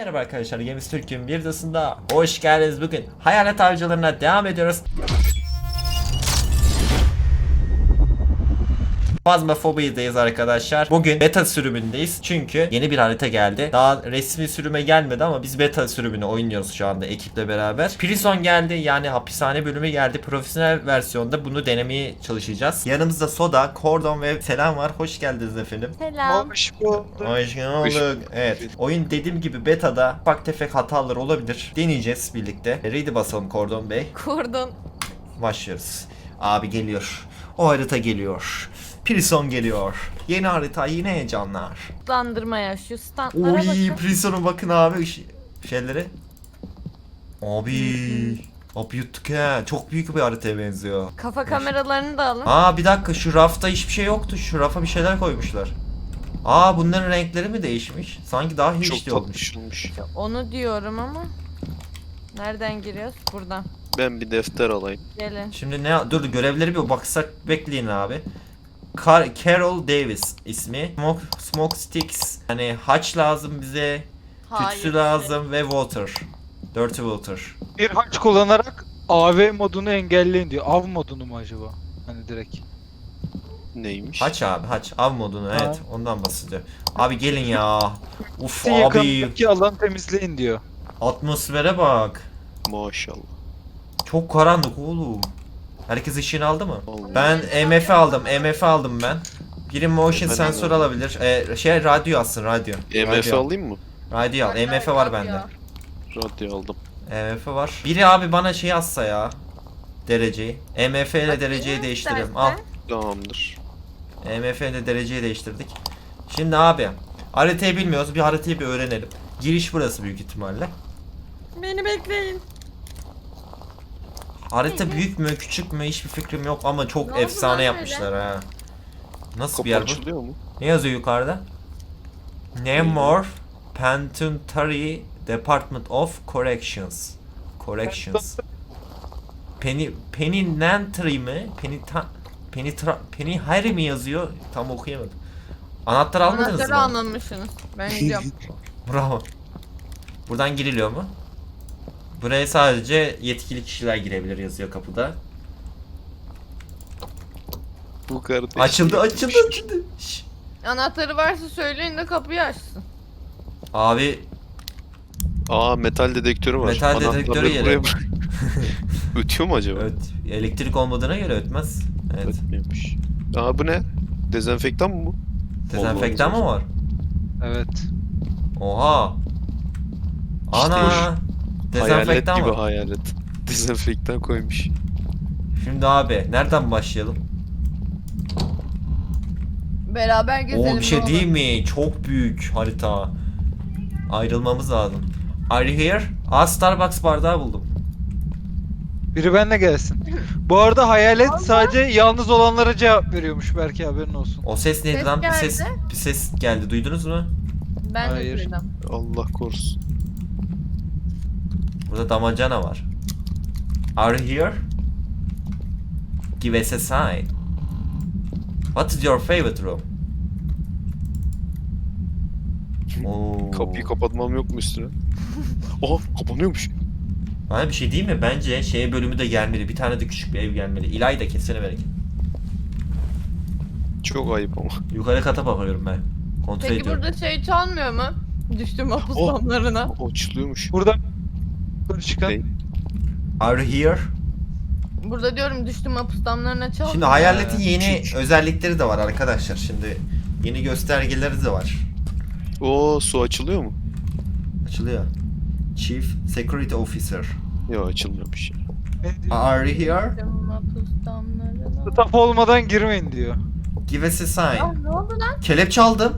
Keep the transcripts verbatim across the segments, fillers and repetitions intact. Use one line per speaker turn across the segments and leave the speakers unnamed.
Merhaba arkadaşlar, Games Türk'ün bir videosunda hoş geldiniz. Bugün hayalet avcılarına devam ediyoruz. Phasmophobia'dayız arkadaşlar. Bugün beta sürümündeyiz. Çünkü yeni bir harita geldi. Daha resmi sürüme gelmedi ama biz beta sürümünü oynuyoruz şu anda ekiple beraber. Prison geldi, yani hapishane bölümü geldi. Profesyonel versiyonda bunu denemeye çalışacağız. Yanımızda Soda, Kordon ve Selam var. Hoş geldiniz efendim.
Selam.
Hoş bulduk.
Hoş bulduk. Evet. Oyun dediğim gibi betada ufak tefek hatalar olabilir. Deneyeceğiz birlikte. Ready basalım Kordon Bey.
Kurdun.
Başlıyoruz. Abi geliyor. O harita geliyor. Prison geliyor. Yeni harita, yine heyecanlar.
Standırmaya şu standlara
Oy,
bakın.
Prison'a bakın abi ış- şeyleri. Abi. Abi yuttuk he. Çok büyük bir haritaya benziyor.
Kafa kameralarını da alın.
Aa bir dakika, şu rafta hiçbir şey yoktu. Şu rafa bir şeyler koymuşlar. Aa bunların renkleri mi değişmiş? Sanki daha
Çok
hiç olmuş.
tatlış olmuş.
Onu diyorum ama. Nereden giriyoruz? Buradan.
Ben bir defter alayım.
Gelin.
Şimdi ne, dur görevleri bir baksak, bekleyin abi. Car Carol Davis ismi. Smoke, smoke sticks. Hani haç lazım bize. Tütsü lazım ve water. Dirty water.
Bir haç kullanarak A V modunu engelleyin diyor. Av modunu mu acaba? Hani direkt.
Neymiş?
Haç abi, haç. Av modunu,
Ha.
evet. Ondan bahsediyor. Abi gelin ya. Uf
Bir
abi.
yakındaki alanı temizleyin diyor.
Atmosfere bak.
Maşallah.
Çok karanlık oğlum. Herkes ışığını aldı mı?
Vallahi.
Ben E M F aldım. E M F aldım ben. Biri motion
Ben
sensör
de aldım.
alabilir. Ee, şey radyo alsın, radyo.
E M F
Radyo al.
alayım mı?
Radyo al. E M F var bende.
Radyo aldım.
E M F var. Biri abi bana şey yazsa ya. Dereceyi. E M F ile dereceyi değiştirelim. Al.
Tamamdır.
E M F ile dereceyi değiştirdik. Şimdi abi, haritayı bilmiyoruz. Bir haritayı bir öğrenelim. Giriş burası büyük ihtimalle.
Beni bekleyin.
Harita büyük mü küçük mü hiçbir fikrim yok ama çok
Ne oldu
efsane
lan
yapmışlar ha. Nasıl
Kapı
bir yer bu?
açılıyor mu?
Ne yazıyor yukarıda? Namor Penitentiary Department of Corrections. Corrections. Penny Penitentiary mi? Penita Penitra Penitentiary mi yazıyor? Tam okuyamadım. Anahtar almadınız
Anahtarı
mı?
almamışsınız. Ben gidiyorum.
Bravo. Buradan giriliyor mu? Buraya sadece yetkili kişiler girebilir yazıyor kapıda.
Bu kardeş.
Açıldı, açıldı, açıldı. Şş.
Anahtarı varsa söyleyin de kapıyı açsın.
Abi
Aa, metal dedektörü var.
Metal
Anahtarları
dedektörü yeri.
buraya bırak. Ötüyor mu acaba?
öt, elektrik olmadığına göre ötmez. Evet.
Ötmüyormuş. Aa, bu ne? Dezenfektan mı bu?
Dezenfektan mı var?
Evet.
Oha. Ana.
Hayalet
Dezenfektan
gibi
var.
hayalet. Dezenfektan koymuş.
Şimdi abi nereden başlayalım?
Beraber gezelim.
Oo bir şey
ne
değil
olur.
mi? Çok büyük harita. Ayrılmamız lazım. Are you here? Aa, Starbucks bardağı buldum.
Biri benimle gelsin. Bu arada hayalet sadece yalnız olanlara cevap veriyormuş, belki haberin olsun.
O ses neydi
Ses
lan? Bir
geldi.
ses bir ses geldi. Duydunuz mu?
Ben de
Hayır.
duydum.
Allah korusun.
Burada damacana var. Are you here? Give us a sign. What is your favorite room? Oo.
Kapıyı kapatmam yok mu üstüne? Oha, kapanıyormuş.
Bana bir şey değil mi? Bence şey bölümü de gelmeli. Bir tane de küçük bir ev gelmeli. İlayda kesene bereket.
Çok ayıp ama.
Yukarı kata bakıyorum ben. Kontrol
Peki
ediyorum.
burada şey çalmıyor mu? Düştüm mahpus
Oh.
damlarına.
O açılıyormuş.
Burada yukarı çıkan
Ne?
Are you here?
Burada diyorum düştüm mahpus damlarına çalmıyor.
Şimdi hayaletin yeni
küçük.
özellikleri de var arkadaşlar. Şimdi yeni göstergeleri de var.
Oo, su açılıyor mu?
Açılıyor. Chief Security Officer.
Yok, açılmıyormuş ya.
ne diyor?
Are you here?
Düştüm mahpus damlarına.
Staff olmadan girmeyin diyor.
Give us a
Ah
sign.
ne oldu lan?
Kelepçe aldım.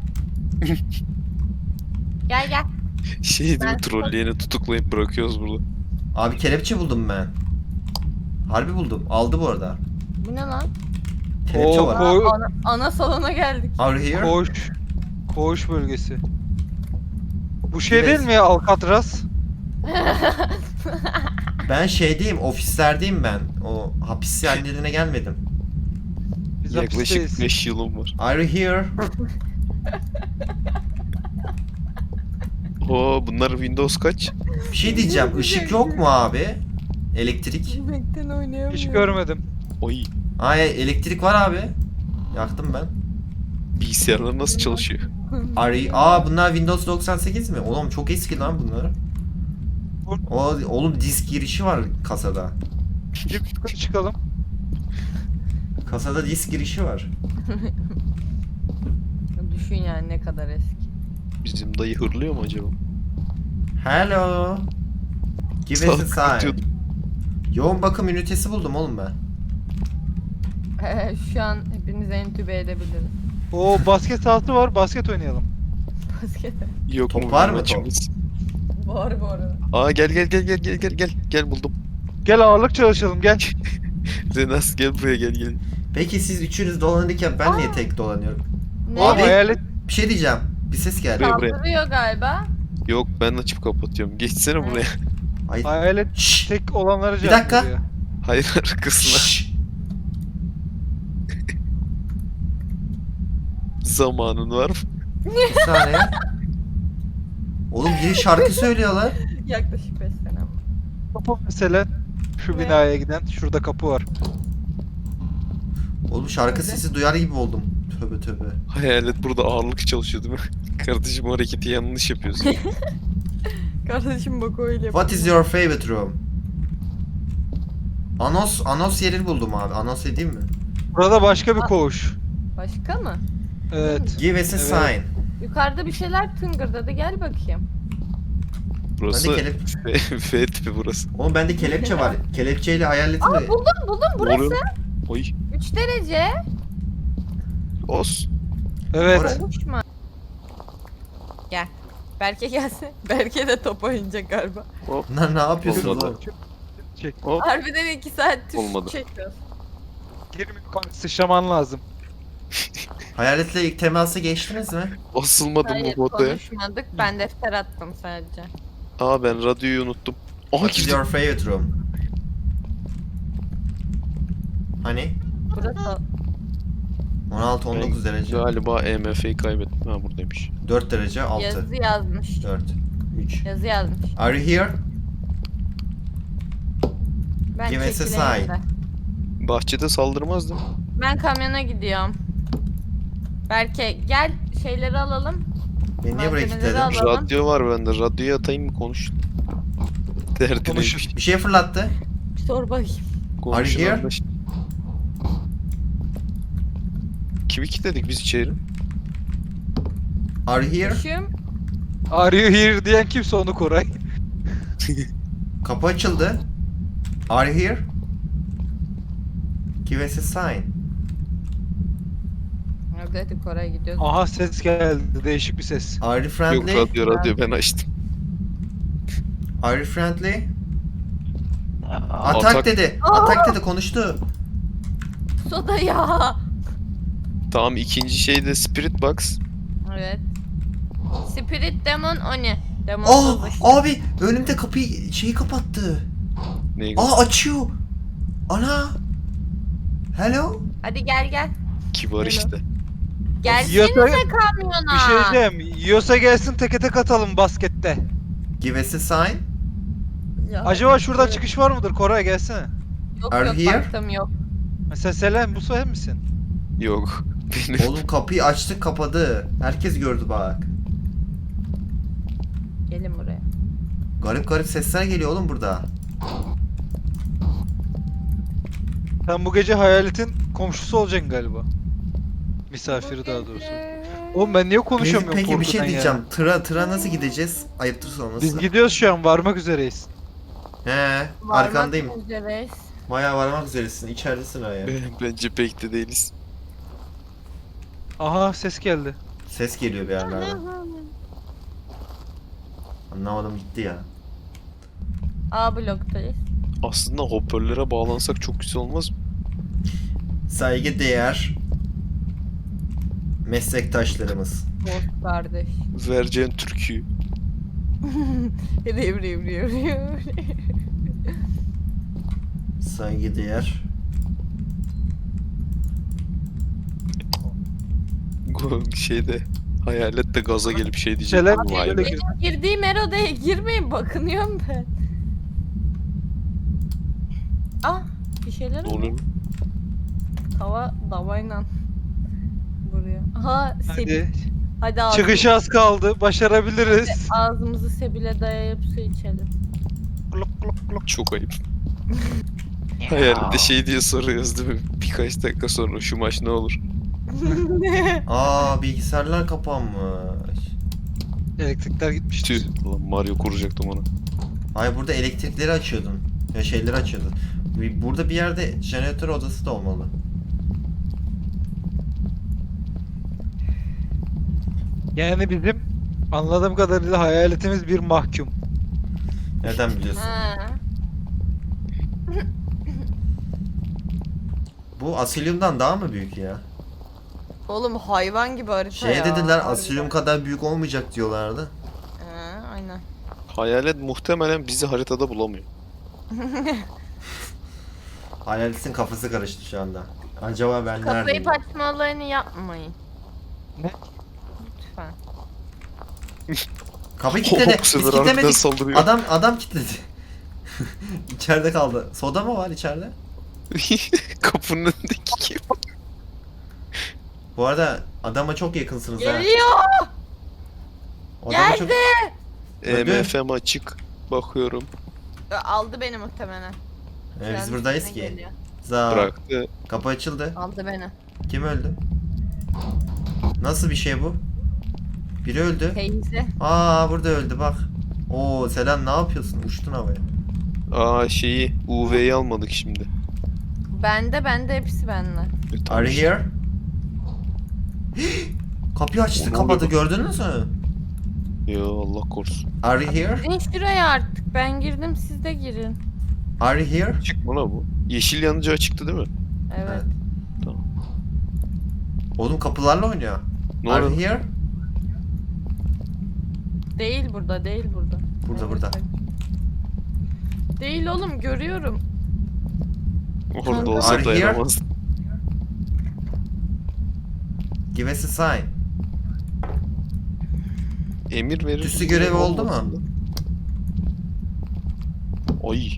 Gel gel.
Şey değil
Ben-
mi, trolleyeni tutuklayıp bırakıyoruz burada.
Abi kelepçe buldum ben. Harbi buldum. Aldı bu arada.
Bu ne lan?
Kelepçe
Oo,
var.
ko-
Aa, ana, ana salona geldik.
Are you here?
Koğuş. Koğuş bölgesi. Bu şey
Evet.
değil mi ya, Alcatraz?
Ben şeydeyim, ofislerdeyim ben. O hapis yerlerine gelmedim.
Biz
Yaklaşık
hapisteyiz.
beş yılım var.
Are you here?
Oho bunlar Windows kaç?
Bir şey diyeceğim. Işık yok mu abi? Elektrik.
Yemekten oynayamıyorum.
Hiç görmedim.
Oy
Ay elektrik var abi. Yaktım ben.
bilgisayarlar nasıl çalışıyor?
Ari, aa bunlar Windows doksan sekiz mi? Oğlum çok eski lan bunlar. O, oğlum disk girişi var kasada.
Bir yukarı çıkalım.
Kasada disk girişi var.
Düşün yani ne kadar eski.
Bizim dayı hırlıyor mu acaba?
Hello. Give us a sign.
Kalkıyordum.
Yoğun bakım ünitesi buldum oğlum ben.
Ee, Şu an hepinizi entübe edebilirim.
Oo basket sahası var. Basket oynayalım.
Basket.
Yok
Top
mu
var
bizim
mı top?
maçımız?
Var bu arada.
Aa gel gel gel gel gel gel gel gel buldum.
Gel ağırlık çalışalım gel.
Zenas gel buraya gel gel.
Peki siz üçünüz dolanırken ben niye tek dolanıyorum?
Ne?
Abi hayalet.
Bir şey diyeceğim. Bir ses geldi.
Buraya, buraya.
Kaldırıyor galiba.
Yok ben açıp kapatıyorum. Geçsene buraya.
Ay.
Hayalet
Şşş.
tek olanlara
Bir
cevap
dakika.
veriyor.
Hayır arkasına.
Şşş.
Zamanın var mı?
Bir saniye. Oğlum biri şarkı söylüyorlar.
Yaklaşık beş sene ama.
Kapı mesela. Şu
Ne?
binaya giden. Şurada kapı var.
Oğlum şarkı sesi duyar gibi oldum. Tövbe tövbe.
Hayalet burada ağırlık çalışıyor değil mi? Kardeşim o hareketi yanlış yapıyorsun.
Kardeşim bak öyle yapıyor.
What is your favorite room? Anos, Anos yerini buldum abi. Anos edeyim mi?
Burada başka bir koğuş.
Başka mı?
Evet.
Give us a
Evet.
sign.
Yukarıda bir şeyler tıngırdadı. Gel bakayım.
Burası
Bende kelep...
F, F tipi burası.
Oğlum bende kelepçe var. Kelepçeyle hayaletin
Aa
de...
buldum buldum burası.
Oluyor. Oy.
üç derece.
Os.
Evet.
Orası.
Konuşma. Gel. Berke gelsin. Berke de top oynayacak galiba.
Lan ne yapıyorsunuz
Olmadı.
oğlum?
Çek.
Hop.
Harbiden iki saat tuş
Olmadı.
çekiyoruz.
Girme sıçraman lazım.
Hayaletle ilk teması geçtiniz mi?
Asılmadım
Hayır
bu odaya.
konuşmadık. Ben defter attım sadece.
Aa ben radyoyu unuttum. Aha
What is
girdim.
your favorite room? Hani?
Burası
on altı on dokuz derece.
Galiba E M F'yi kaybettim. Ha buradaymış.
dört derece altı.
yazı yazmış.
dört. üç.
Yazı yazmış.
Are you here?
Ben
Give us a
çekileyim
sign.
de.
Bahçede saldırmaz değil mi?
Ben kamyona gidiyorum. Berke gel şeyleri alalım.
Beni niye buraya
Malzemeleri
kilitledin?
al. Alalım.
Radyo var bende. Radyoyu atayım mı konuş? Derdi
Konuş.
neymiş?
Bir şey fırlattı.
Sor bakayım.
Konuşun
here?
anlaş- Kimi kilitledik biz içeri?
Are you here?
Düşüm.
Are you here diyen kimse onu Koray.
Kapı açıldı. Are you here? Give us a sign.
Hadi hadi Koray gidiyoruz.
Aha ses geldi. Değişik bir ses.
Are you
Yok
friendly?
radyo radyo ben açtım.
Are you friendly?
Atak.
Atak dedi. Atak dedi konuştu.
Soda ya.
Tamam ikinci şey de Spirit Box.
Evet. Spirit Demon Oni. Demon
Oh
Box.
abi önümde kapıyı şeyi kapattı.
Neyi
Aa açıyor. Ana. Hello.
Hadi gel gel.
kibar işte.
Gelsenize
Yiyorsa-
kamyona.
Bir şey diyeceğim. Yiyorsa gelsin teke tek atalım baskette.
Give us a sign.
Ya,
Acaba şuradan
evet.
çıkış var mıdır? Koray gelsene.
Yok
Are
yok
you here?
baktım yok.
Mesela Selen bu sen misin?
Yok. Benim.
Oğlum kapıyı açtık kapadı. Herkes gördü bak.
Gelin buraya.
Garip garip sesler geliyor oğlum burada.
Sen bu gece hayaletin komşusu olacaksın galiba. Misafiri daha doğrusu. Oğlum ben niye
Peki,
konuşamıyorum
peki bir
korkudan
şey
ya?
diyeceğim. Tıra tıra nasıl gideceğiz? Ayıptır sonrası.
Biz gidiyoruz şu an varmak üzereyiz.
He,
Varmak
arkandayım.
üzereyiz.
Bayağı varmak üzeresin. İçeridesin ha ya.
Bence pek de değiliz.
Aha ses geldi.
Ses geliyor bir yerlerden. Anlamadım gitti ya.
A bloktayız.
Aslında hoparlöre bağlansak çok güzel olmaz mı?
Saygı değer meslektaşlarımız.
Dost kardeş.
Vereceğin türküyü.
Riv riv riv riv.
Saygı değer.
Şeyde Hayalet de gaza gelip şey diyecek.
Şeyler
Vay
böyle
be.
girdi.
Girdiğim her odaya girmeyin, bakınıyorum ben. Ah, bir şeyler
Ne
oldu.
oluyor?
Tava davayla vuruyor. Aha, sebil.
Hadi.
Hadi ağzımızı,
Çıkışı az kaldı. Başarabiliriz.
ağzımızı sebile dayayıp su içelim.
Glok glok glok.
Çok ayıp. Hayalet de şey diye soruyoruz değil mi? Birkaç dakika sonra şu maç ne olur?
Aa, bilgisayarlar kapanmış.
Elektrikler gitmiş.
Tüh. Lan Mario kuracaktım ona.
Ay, burada elektrikleri açıyordun. Ya şeyleri açıyordun. Bir- Burada bir yerde jeneratör odası da olmalı.
Yani bizim anladığım kadarıyla hayaletimiz bir mahkum.
Nereden biliyorsun?
Ha.
Bu Asylum'dan daha mı büyük ya?
Oğlum hayvan gibi harita
Şey
ya.
dediler,
harbiden.
Asylum kadar büyük olmayacak diyorlardı.
Ha, aynen.
Hayalet muhtemelen bizi haritada bulamıyor.
Hayaletin kafası karıştı şu anda. Acaba ben
Kapıyı
neredeyim?
açma olayını yapmayın.
Ne?
Lütfen.
Kapıyı kilitledi.
Bu
Biz
sefer harbiden
kilitlemedik.
saldırıyor.
Adam adam kilitledi. İçeride kaldı. Soda mı var içeride?
Kapının önündeki kim?
Bu arada adama çok yakınsınız ha.
Geliyor.
Adama
Geldi.
Öldü.
E M F'm açık. Bakıyorum.
Ö, Aldı beni muhtemelen.
Ee, biz
Şu an
buradayız
üstüne
ki.
geliyor.
Za.
Bıraktı.
Kapı açıldı.
Aldı beni.
Kim öldü? Nasıl bir şey bu? Biri öldü.
Teyze.
Aa, burada öldü bak. Oo, Selen ne yapıyorsun? Uçtun havaya.
Aa şeyi U V'yi almadık şimdi.
Bende bende hepsi bende.
E, tamam
Are you
işte.
here? Kapıyı açtı,
Ne
kapadı.
oluyor?
Gördünüz mü?
Yo Allah korusun.
Are you here?
Girin şuraya artık. Ben girdim, siz de girin.
Are you here?
Açık mı lan bu? Yeşil yanıcı açıktı değil mi?
Evet.
Evet.
Tamam.
Oğlum kapılarla oynuyor.
Ne
Are you
oluyor?
here?
Değil burada, değil burada.
Burada,
Evet,
burada.
bak. Değil oğlum, görüyorum.
Orada olsa
Are you here?
dayanamaz.
Give us a sign.
Emir verir.
Tüsü görevi oldu mu?
Olmasın da. Ay.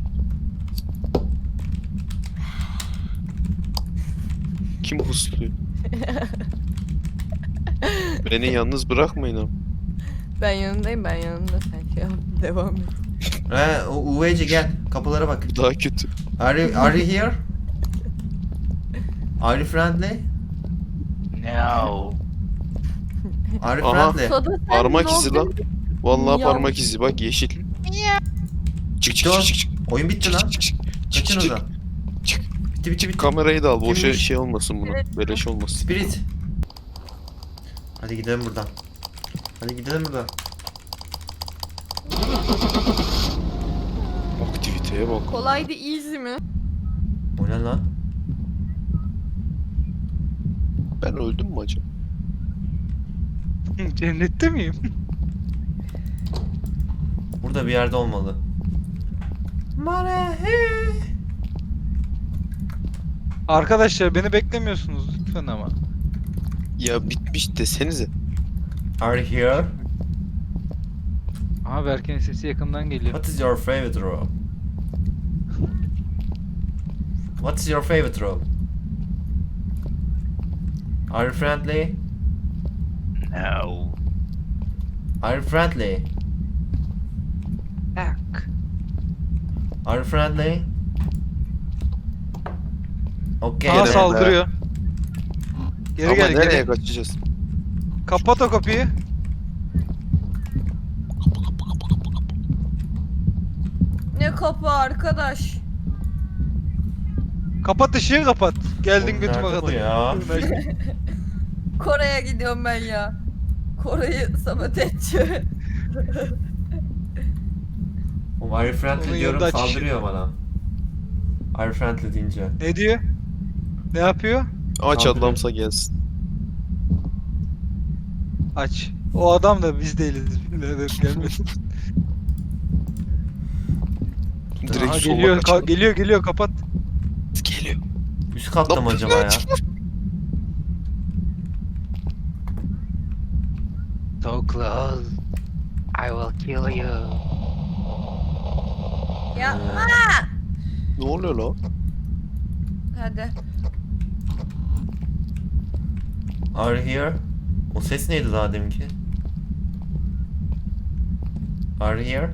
Kim husluyor? Beni yalnız bırakmayın abi.
Ben yanındayım, ben yanında. Sen şey yap, devam et.
He, o U V C gel. Kapılara bak.
Bu daha kötü.
Are you, are you here? Are you friendly?
No.
Are you
Aha.
friendly?
Soda sen
Parmak
ne
izi
oldu?
lan. Vallahi
Ya.
parmak izi bak yeşil. Çık çık çık çık çık.
Oyun bitti lan.
Çık çık çık.
Kaçın
çık,
oradan.
çık.
Bitti bitti bitti.
Kamerayı da al. Boşa
Kimmiş?
şey olmasın buna.
Evet.
Beleş olmasın.
Spirit. Hadi gidelim buradan. Hadi gidelim buradan.
Aktiviteye bak.
Kolaydı, easy mi?
O ne lan?
Ben öldüm mü acaba?
Cennette miyim?
Burada bir yerde olmalı.
Arkadaşlar beni beklemiyorsunuz lütfen ama.
Ya bitmiş desenize.
Are you here?
Aha Berke'nin sesi yakından geliyor.
What is your favorite room? What is your favorite room? Are you friendly?
No.
Are you friendly?
Ak.
Are you friendly? Okay.
Aha
then.
saldırıyor. Geri
Ama
gel
nereye
geri.
kaçacağız?
Kapat o kapıyı.
Kapa kapa kapa kapa kapa.
Ne kapı arkadaş?
Kapat ışığı kapat. Geldin
Oğlum,
götüme
nerede bu
kadar.
ya?
Kore'ye gidiyorum ben ya. Kore'yi sabote edeceğim.
Oğlum, are you friendly
Onun
diyorum,
yanında aç
saldırıyor bana. Are you friendly deyince.
Ne diyor? Ne yapıyor?
Aç
Saldırıyor.
adamsa gelsin.
Aç. O adam da biz değiliz. Birader gelmesin.
Direkt
Aha,
sola
geliyor, ka-
kaçalım.
geliyor, geliyor, kapat.
Geliyor.
Üst katta mı
Lan,
acaba ya?
close, I will kill you.
Yapma.
Ne oluyor lan?
Hadi.
Are you here? O ses neydi daha deminki? Are you here?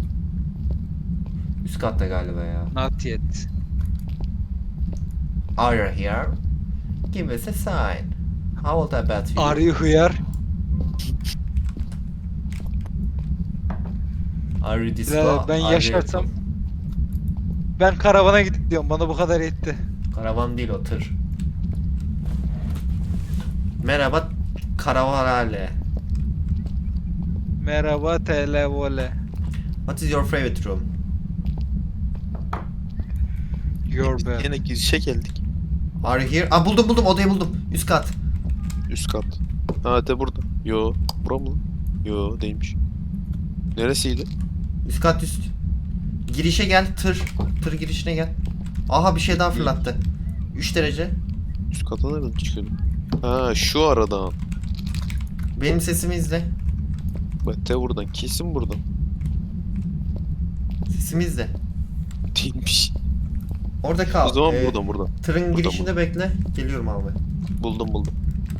Üst katta galiba ya.
Not yet.
Are you here? Give us a sign. How old about you?
Are you here?
Are you this
Ee,
low?
ben
Are you-
yaşarsam ben karavana gidiyorum. Bana bu kadar yetti.
Karavan değil o tır. Merhaba karavanale.
Merhaba televole.
What is your favorite room?
Your bed.
Yine girişe geldik.
Are you here? Aa buldum buldum odayı buldum. Üst kat.
Üst kat. Ha de burada. Yo. Bura mı? Yo değilmiş. Neresiydi?
Üst kat üst. Girişe gel tır. Tır girişine gel. Aha bir şey daha fırlattı. üç derece.
Üst kata nereden çıkıyordu? Ha şu aradan.
Benim sesimi izle.
Bak de buradan. Kesin buradan.
Sesimi izle.
Değilmiş.
Orada kal.
O zaman
Ee,
buradan buradan.
Tırın
Buradan,
girişinde bekle. Geliyorum abi.
Buldum buldum.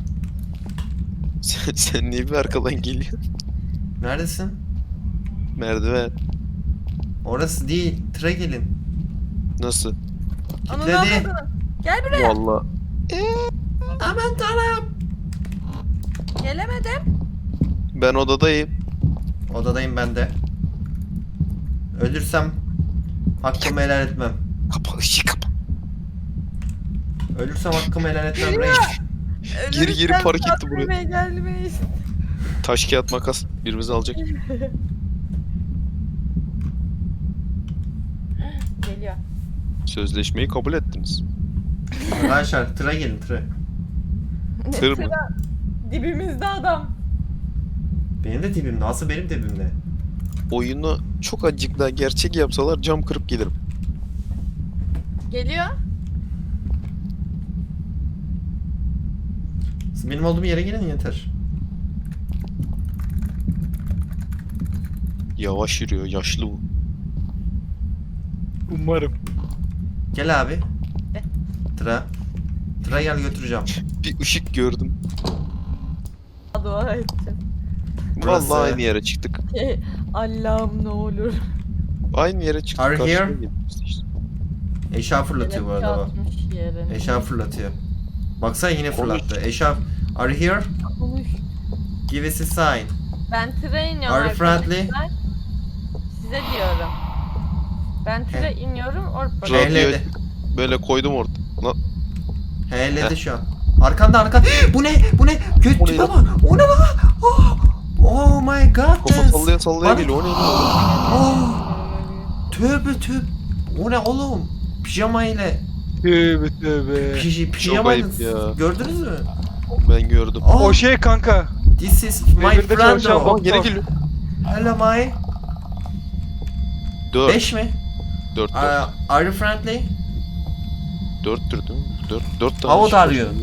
Sen, sen niye bir arkadan geliyorsun?
Neredesin?
Merdiven.
Orası değil. Tıra gelin.
Nasıl?
Ananı
Kilitledi.
avradını. Gel buraya.
Valla.
Aman tanrım.
Gelemedim.
Ben odadayım.
Odadayım ben de. Ölürsem hakkımı helal etmem.
Kapa ışığı kapa.
Ölürsem hakkımı helal etmem reis.
Gir, gir,
Ölürsem
park etti buraya.
tatlıya gelmeyiz.
Taş kağıt makas. Birimizi alacak.
Geliyor.
Sözleşmeyi kabul ettiniz.
Arkadaşlar tıra gelin tıra.
Tır mı?
Sıra dibimizde adam.
Benim de dibimde. Asıl benim dibimde.
Oyunu çok azıcık daha gerçek yapsalar cam kırıp gelirim.
Geliyor.
Siz benim olduğum yere gelin yeter.
Yavaş yürüyor. Yaşlı bu.
Umarım.
Gel abi.
De.
Tıra. Tıra gel götüreceğim.
Bir ışık gördüm.
Dua edeceğim.
Burası-
Vallahi aynı yere çıktık.
Allah'ım ne olur.
Aynı yere çıktık.
Are
karşıya
here?
geldik işte.
Eşya fırlatıyor bu arada o.
Atmış yerine.
Eşya fırlatıyor. Baksana yine fırlattı. Eşya. Are you here?
Konuş.
Give us a sign.
Ben tıra iniyorum
Are you friendly?
arkadaşlar. Size diyorum. Ben tıra iniyorum orada.
Radyo
Ehledi.
böyle koydum orada. Lan
Helledi şu an. Arkanda arkanda. Bu ne? Bu ne? Göt
O ne
tipe
lan?
bak. O ne lan? Oh, oh my god.
kafa sallaya sallaya
Bana-
geliyor. O ne?
Oh, tövbe tövbe. O ne oğlum? Pijama ile.
Tövbe tövbe.
Pij pijama
ayıp ya.
gördünüz mü?
Ben gördüm.
Oh,
O şey kanka.
this is my
Devirde
friend.
çalışan
Aa
o.
geri geliyor.
Hello my.
Dört.
beş mi?
Dört
Uh,
dört.
are you friendly?
Dörttür değil mi? Dört, dört tane.
How old
ışık
are
var.
you?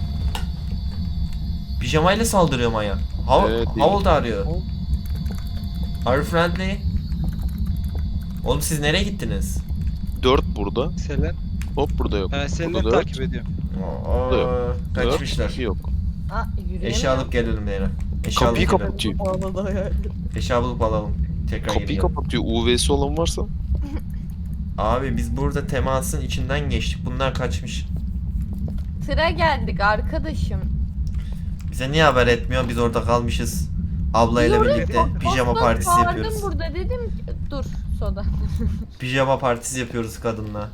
Pijama ile saldırıyor Maya. How,
Evet,
how
değil.
old are you? Are you friendly? Oğlum siz nereye gittiniz?
Dört burada.
Selen.
Hop burada yok.
Ben
Burada
Selen'i
dört.
takip ediyorum.
Aa,
Dört.
kaçmışlar.
Dört, yok.
Aa yürüyemiyorum.
Eşya alıp gelelim Leyla. Eşya
Kapıyı
alıp gelelim.
kapatıyor.
Bağladı hayal.
Eşya bulup alalım. Tekrar geri
Kapıyı
gelelim.
kapatıyor. U V'si olan varsa.
Abi biz burada temasın içinden geçtik. Bunlar kaçmış.
Tıra geldik arkadaşım.
Bize niye haber etmiyor? Biz orada kalmışız. Ablayla
Diyorum,
birlikte pijama
Osman
partisi
bağırdım
yapıyoruz.
burada dedim ki, dur soda.
Pijama partisi yapıyoruz kadınla.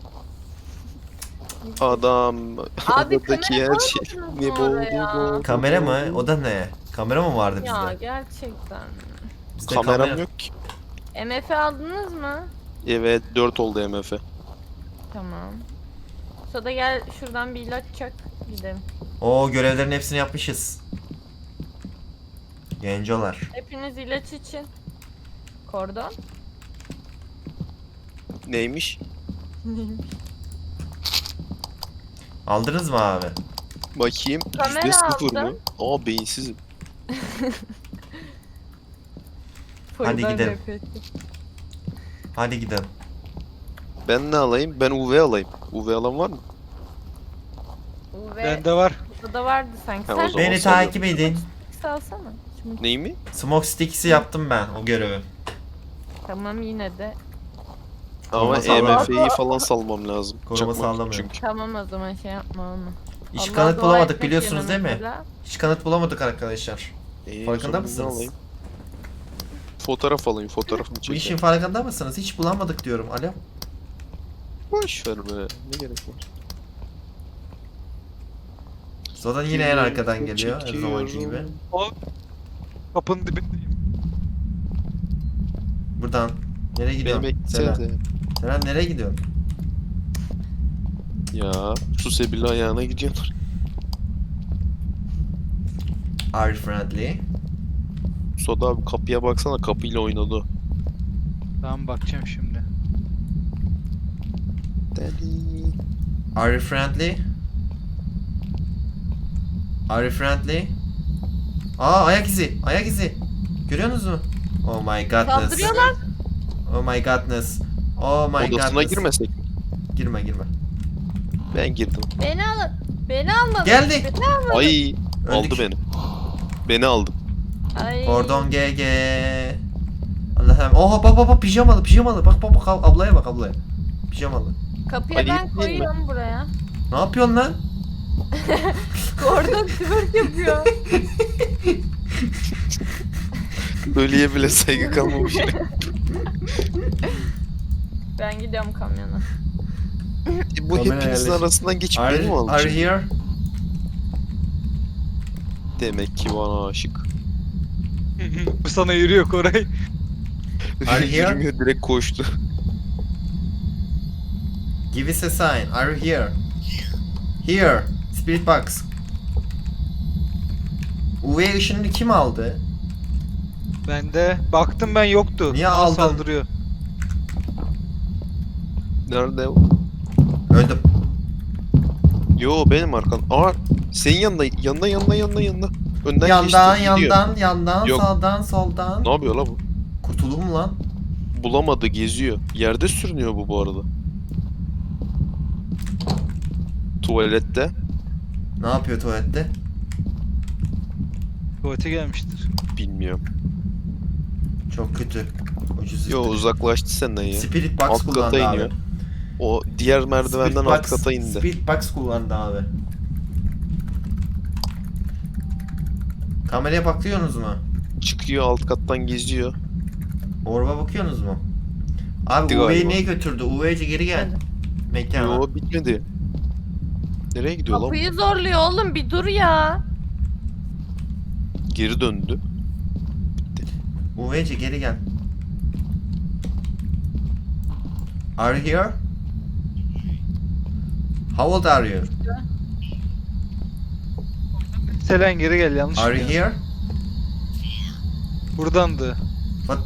Adam.
Abi
Odadaki
kamera
her şey.
koymadınız
Ne
mı
bu?
oraya?
bu, bu,
Kamera
bu,
mı?
bu.
O da ne? Kamera mı vardı
Ya
bizde?
gerçekten.
Bizde
Kameram
kamera-
yok ki.
M F aldınız mı?
Evet dört oldu M F.
Tamam. Soda gel şuradan bir ilaç çak gidelim.
Oo görevlerin hepsini yapmışız. Gencolar.
Hepiniz ilaç için. Kordon.
Neymiş?
Aldınız mı abi?
Bakayım.
Kamera
Yüzde sıfır mı?
aldım.
Aa beyinsizim.
Topoyu ben
gidelim.
rap ettim.
Hadi gidelim.
Ben ne alayım? Ben U V alayım. U V alan var mı?
U V
Bende var.
burada da vardı sanki.
Ha, o
Sen
zaman
Beni
sallıyorum.
takip edin.
salsana. Şimdi,
Neyi mi?
Smoke Sticks'i yaptım ben o görevi.
tamam yine de.
Ama
Koruma
E
sallama.
M F'yi falan salmam lazım.
Koruma
Çakmak
sallamıyor.
çünkü.
Tamam o zaman şey yapma onu.
Hiç
Allah
kanıt
dua
bulamadık
etmek
biliyorsunuz
yerine
değil mi?
mesela.
Hiç kanıt bulamadık arkadaşlar.
Ee, o
Farkında
zaman ne
mısınız?
alayım? Fotoğraf alayım, fotoğrafını
Bu işin
çekeyim.
farkında mısınız? Hiç bulamadık diyorum. Alo.
Boş ver be. Ne gerek var?
Zodan yine en arkadan geliyor her zamanki gibi.
O kapının dibindeyim.
Buradan. Nereye
Beni
gidiyorsun? Selen.
beklesene.
Selen nereye gidiyorsun?
Ya su sebili ayağına gidiyorlar.
Are you friendly?
Soda abi kapıya baksana, kapıyla oynadı o.
Tamam bakacağım şimdi.
Deli.
Are you friendly? Are you friendly? Aa ayak izi. Ayak izi. Görüyorsunuz mu? Oh my godness.
Saldırıyorlar.
Oh my godness. Oh my
Odasına
godness.
girmesek mi?
Girme girme.
Ben girdim.
Beni alın. Beni almadın.
Geldi.
Beni almadın.
Ay aldı
Öldük.
beni. Beni aldı.
Ay.
Kordon G G. Allah'ım. Oha bak bak bak pijamalı pijamalı. Bak bak bak ablaya bak ablaya. Pijamalı.
Kapıya
Ay,
ben
değil mi?
koyuyorum buraya.
Ne yapıyorsun lan?
Kordon twerk yapıyor.
Ölüye bile saygı kalmamış.
Ben gidiyorum kamyona.
E, bu
Kamera
hepinizin
yerleşik.
arasından geçip
Are,
beni mi aldı?
are you
şimdi?
here?
Demek ki bana aşık.
Bu sana yürüyor Koray.
Are you here?
Yürümüyor, direkt koştu.
Give us a sign. Are you here? Here. Spirit box. U V ışınını kim aldı?
Bende. Baktım ben yoktu.
Niye
Bana
aldın?
Saldırıyor.
Nerede o?
Öldüm.
Yo benim arkam. Aa senin yanında, yanında, yanında, yanında, yanında. Önden
Yandan,
geçti, gidiyor.
yandan, yandan,
Yok.
sağdan, soldan.
Ne yapıyor la bu?
Kurtuldum mu lan?
Bulamadı, geziyor. Yerde sürünüyor bu bu arada. Tuvalette.
Ne yapıyor tuvalette?
Tuvalete gelmiştir.
Bilmiyorum.
Çok kötü. Ucuz
Yo uzaklaştı senden ya.
Spirit box
Alt kata
kullandı abi.
iniyor. O diğer merdivenden
Spirit
alt
box-
kata indi.
Spirit box kullandı abi. Kameraya bakıyorsunuz mu?
Çıkıyor alt kattan geziyor.
Orba bakıyorsunuz mu? Abi
Gitti
U V'yi
galiba.
niye götürdü? U V'ci geri gel. Mekana.
Yo bitmedi. Nereye gidiyor lan?
Kapıyı zorluyor oğlum bir dur ya.
Geri döndü.
U V'ci geri gel. Are you here? How old are you?
Selen geri gel yanlış.
Are you
biliyorum.
here?
Buradandı.
What?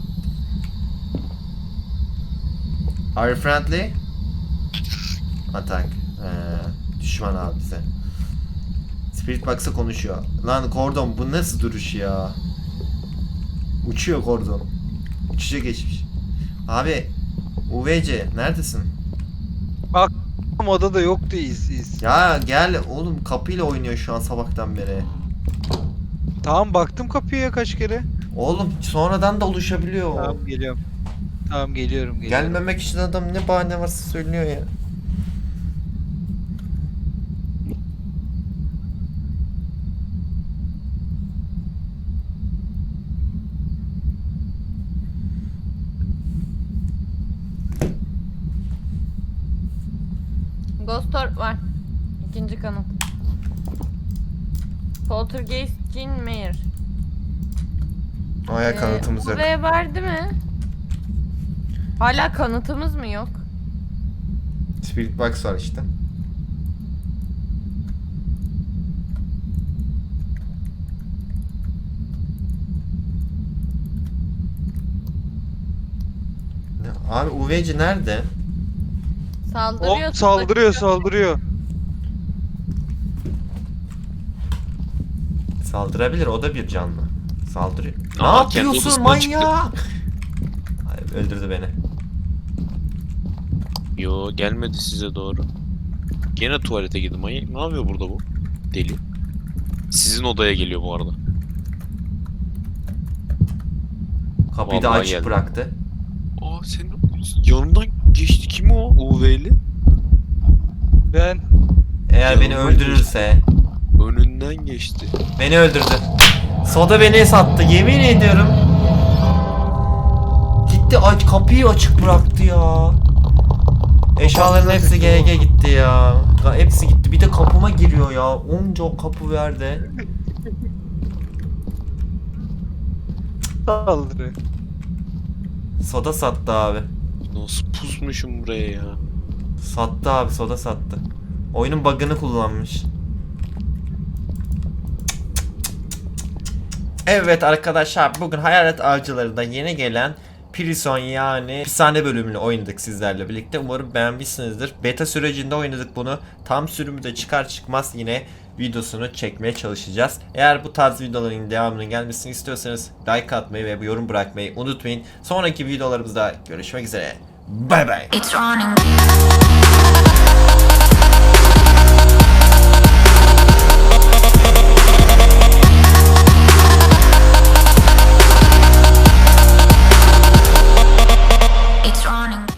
Are you friendly? Atak. Ee, düşman abi bize. Spirit Box'a konuşuyor. Lan Kordon bu nasıl duruş ya? Uçuyor Kordon. Uçuşa geçmiş. Abi U V C neredesin?
Ama odada yoktu iz iz.
Ya gel oğlum kapıyla oynuyor şu an sabahtan beri.
Tamam baktım kapıya kaç kere.
Oğlum sonradan da oluşabiliyor o.
Tamam geliyorum. Tamam geliyorum geliyorum.
Gelmemek için adam ne bahane varsa söylüyor ya.
Ghost Orb var. İkinci kanıt. Poltergeist Jean Mayer.
Aya kanıtımız yok.
U V var değil mi? Hala kanıtımız mı yok?
Spirit Box var işte. Ne- Abi U V C nerede?
Saldırıyor.
O saldırıyor saldırıyor.
Saldırabilir o da bir canlı. Saldırıyor. Ne
Aa, kendi
yapıyorsun
odasından
manyak? Öldürdü beni.
Yo gelmedi size doğru. Gene tuvalete girdi. Manyak ne yapıyor burada bu? Deli. Sizin odaya geliyor bu arada.
Kapıyı da
Vallahi
açık
geldi.
bıraktı.
Aa senin yanından geçti. Kim o? U V'li.
Ben
Eğer beni
Yanından
öldürürse.
Önünden geçti.
Beni öldürdü. Soda beni sattı. Yemin ediyorum. Gitti aç kapıyı açık bıraktı ya. Eşyaların hepsi G G gitti ya. Ya hepsi gitti. Bir de kapıma giriyor ya. Onca kapı verdi.
saldırı.
Soda sattı abi.
Nasıl pusmuşum buraya ya?
Sattı abi, soda sattı. Oyunun bug'ını kullanmış. Evet arkadaşlar, bugün Hayalet Avcıları'da yeni gelen Prison yani hapishane bölümünü oynadık sizlerle birlikte. Umarım beğenmişsinizdir. Beta sürecinde oynadık bunu. Tam sürümü de çıkar çıkmaz yine videosunu çekmeye çalışacağız. Eğer bu tarz videoların devamının gelmesini istiyorsanız like atmayı ve yorum bırakmayı unutmayın. Sonraki videolarımızda görüşmek üzere. Bay bay.
It's running.